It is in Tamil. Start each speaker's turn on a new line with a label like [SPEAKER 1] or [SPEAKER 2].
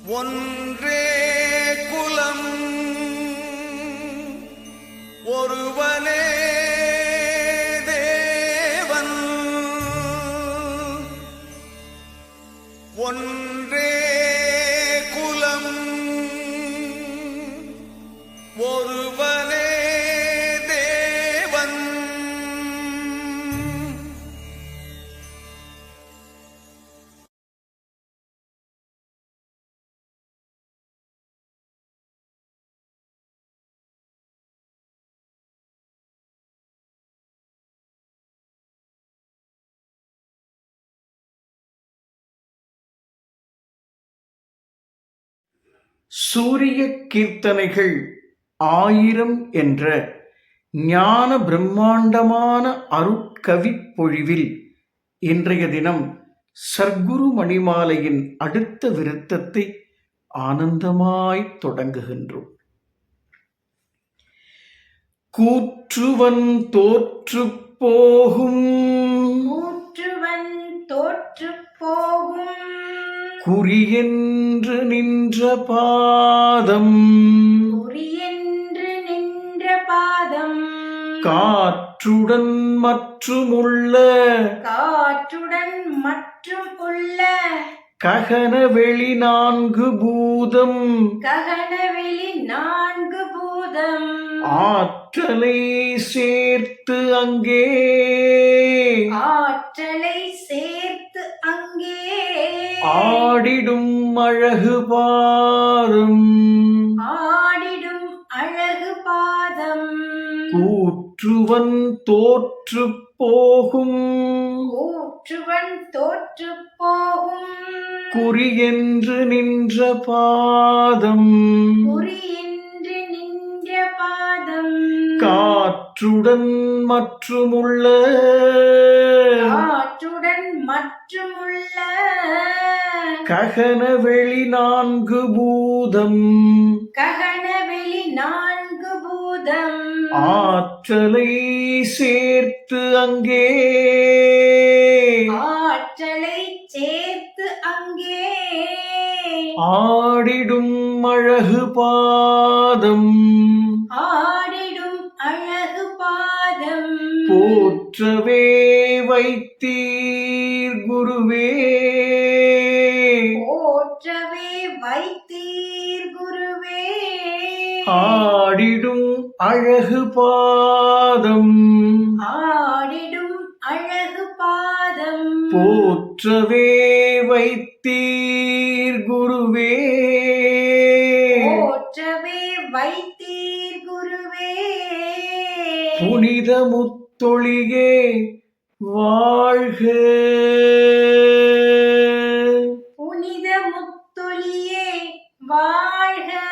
[SPEAKER 1] ஒன்றே குலம் ஒருவனே தேவன் ஒன்றே குலம் ஒருவனே தேவன்.
[SPEAKER 2] சூரிய கீர்த்தனைகள் 1000 என்ற ஞான பிரம்மாண்டமான அருட்கவிப் பொழிவில் இன்றைய தினம் சர்க்குரு மணிமாலையின் அடுத்த விருத்தத்தை ஆனந்தமாய் தொடங்குகின்றோம். கூற்றுவன் தோற்று போகும் குறியென்று நின்ற பாதம் காற்றுடன் மற்றுமுள்ள ககனவெளி 4 பூதம் ஆற்றலை சேர்த்து அங்கே ஆடிடும் அழகு பாதம் கூற்றுவன் தோற்று போகும் குறியென்று நின்ற பாதம் காற்றுடன் மற்றுமுள்ள ககனவெளி 4 பூதம் ஆற்றலை சேர்த்து அங்கே ஆடிடும் அழகு பாதம் போற்றவே வைத்தீர் குருவே ஆடிடும் அழகு பாதம் போற்றவே வைத்தீர் குருவே புனித முத்தொழியே வாழ்க
[SPEAKER 3] வாழ்க.